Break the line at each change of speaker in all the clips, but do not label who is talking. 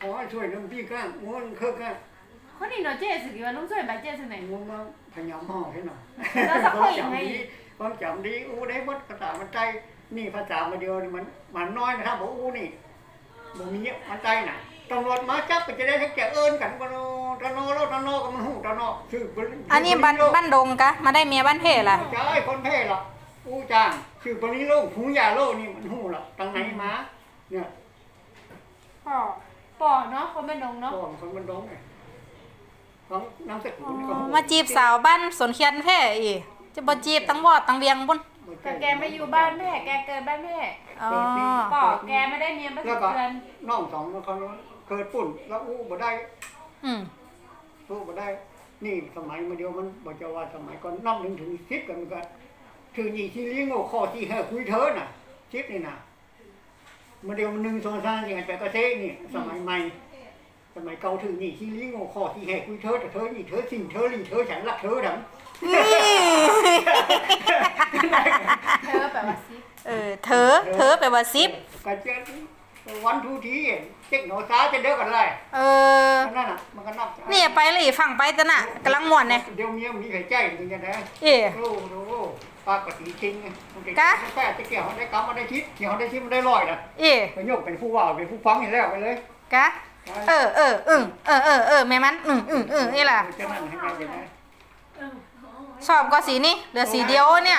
ขอให้ช่วยน้ำพี่ก้างง้วนเครื่องก้าง
คนนี้เนาะเจ๊สิว่าลุงช่วยใบเจ๊สิไหน
ง้วนมาพยายามห่อให้หน่อย
แล้วสักคนยังไง
ความจำดีอู้ได้บดภาษามันใจนี่ภาษามาเดียวมันน้อยนะครับบอกอู้นี่บ่มีมันใจน่ะตำรวจมาจับก็จะได้ทั้งแก่เอิญกันกันตะโนแล้วตะโนก็มันหูตะโนชื่อ
อันนี้บ้านดงกะมาได้เมียบ้านเพ่ล่ะ
ใช่คนเพ่หรอกอู้จางชื่อบริโลกหูยาโลนี่มันหูหรอกตั้งไหนมาเนี่ย
ป่อเนาะคนบ้านดงเนาะ
คนบ้านดงไงของน้ำสกุลก็
มาจีบสาวบ้านสวนเคียนเพ่อีจะบ่จีบตั้งวอดตั้งเวียงบุญ
แต่แกไม่อยู่บ้านแม่แกเกิดบ้านแม่ป่อแกไม่ได้เมียบ้านเพื่อน
น้องสองเขาเกิดปุ่นแล้วอู้บ่ได้อู้บ่ได้นี่สมัยมาเดียวมันบอกจะว่าสมัยก่อนนับ1 ถึง 10กันก็ถือยี่ที่เลี้ยงโง่ข้อที่ให้คุยเธอน่ะ10นี่น่ะมาเดียวมัน1 2 3 4 5 8ก็เซ่นี่สมัยใหม่สมัยเก่าถือนี่ที่เลี้ยงโง่ข้อที่ให้คุยเธอแต่เธอนี่เธอสิ่งเธอลิงเธอฉันรักเธอดัง
เธอแปลว่าซิป
เธอแปลว่าซิป
ก็เจ๊วันทูทีเจ๊กหนูซ้าจะเด้อกันเลยนั่นน่ะมันก็นับ
นี่ไปเลยฝั่งไปตะน่ะกำลังม่วนเนี่ย
เดี๋ยวเมียมีใครใจมึงกันนะโอ้โหปากกติจริงกะแค่จะเกี่ยวได้กำมาได้ทิศเกี่ยวได้ทิศมันได้ลอยนะไปโยกเป็นผู้ว่าเป็นผู้ฟังเห็นแล้วไปเลย
กะแม่มันนี่แหละชอบก็สีนี่เหลือสีเดียวเนี่ย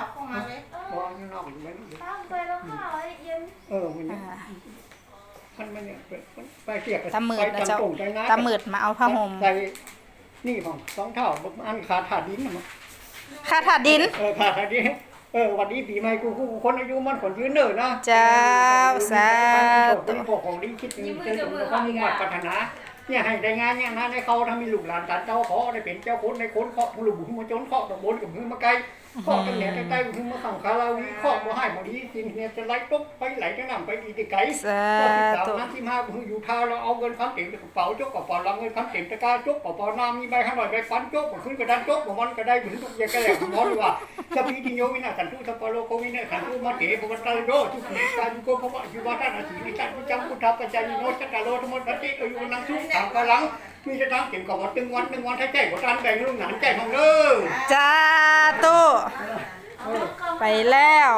ตำมืดนะเจ้าตำมืดมาเอาผ้าห่ม
ใส่นี่ของ2 เท่าอันขาดถาดดินมั้ง
ขาดถาดดิน
ขาดถาดดินวันนี้ปีใหม่กูคนอายุมันคนยืนเนิ่นนะ
เจ้าสา
ธุพวกของดีคิดนี่เจอถึงความมุ่งมั่นปรารถนาเนี่ยให้ได้งานเนี่ยนะในเขาทำมีลูกหลานตัดเจ้าขอได้เป็นเจ้าคนในคนเคาะผู้ลูกบุญมาจนเคาะตะบนกับมือมาไกลเคาะตั้งแต่ใกล้ๆมือมาสั่งคาราวีเคาะมาให้มาดีสิ่งเนี่ยจะไหลตุ๊บไปไหลจะนำไปดีที่ไกล13 น้ำที่มาอยู่ท่าเราเอาเงินคันเต็มกระเป๋าจกกระเป๋าเราเงินคันเต็มตะกร้าจกกระเป๋าน้ำมีใบ500ใบฟันจกขึ้นกระดานจกมันก็ได้เหมือนทุกอย่างก็แล้วมอเลยว่าสปีติโยวินาสันตุสปาโลโควินาสันตุมาเถปวัตตาโยทุกข์การโกภวะยุวัฒนาสีนิจันจังพุทธปัจจายิโนสัตตโลธรรมทัตติอายุนังทุกข์ถามกำลังมีจะทำเก็บกับวัด1 วันให้ใจกว่าการแบ่งลูกหนานใจของเด้อ
จ้าตู้ไปแล้ว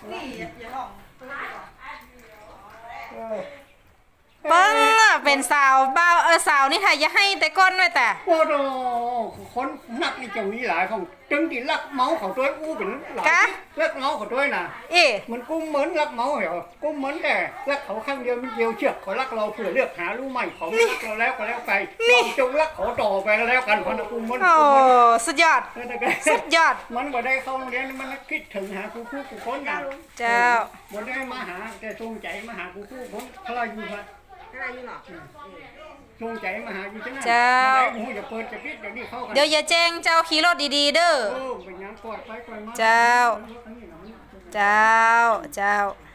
เปิ้งเป็นสาวบ้าสาวนี่ค่ะอย่าให้แต่ก้นไว้แต่
โอ้โหคนนักนี่จะมีหลายของจึงที่ลักเมาเขาตัวอู้เป็นหลายลักเมาเขาตัวน่ะมันกุ้มเหมือนลักเมาเหรอกุ้มเหมือนแต่ลักเขาข้างเดียวมันเดียวเชือกเขาลักเราเพื่อเลือกหารู้ใหม่เขาไม่เราแล้วก็แล้วไปเราจงลักเขาต่อไปแล้วกันเพราะนักกุ้มเหมือน
โอ้สุดยอดสุดยอด
มันบ่ได้เข้าโรงเรียนมันคิดถึงหาครูคนน่ะ
เจ้า
บ่ได้มาหาแต่ทรงใจมาหาครูคนพลาอยู่ครับจงใจมาหาอยู่จังนั้นเจ้าจะเปิดจะปิดอย่างนี้เข้ากัน
เดี๋ยวอย่าแจ้งเจ้าขี่รถดีๆเด้อ
เป็นยังกอดไปกอดมา
เจ้า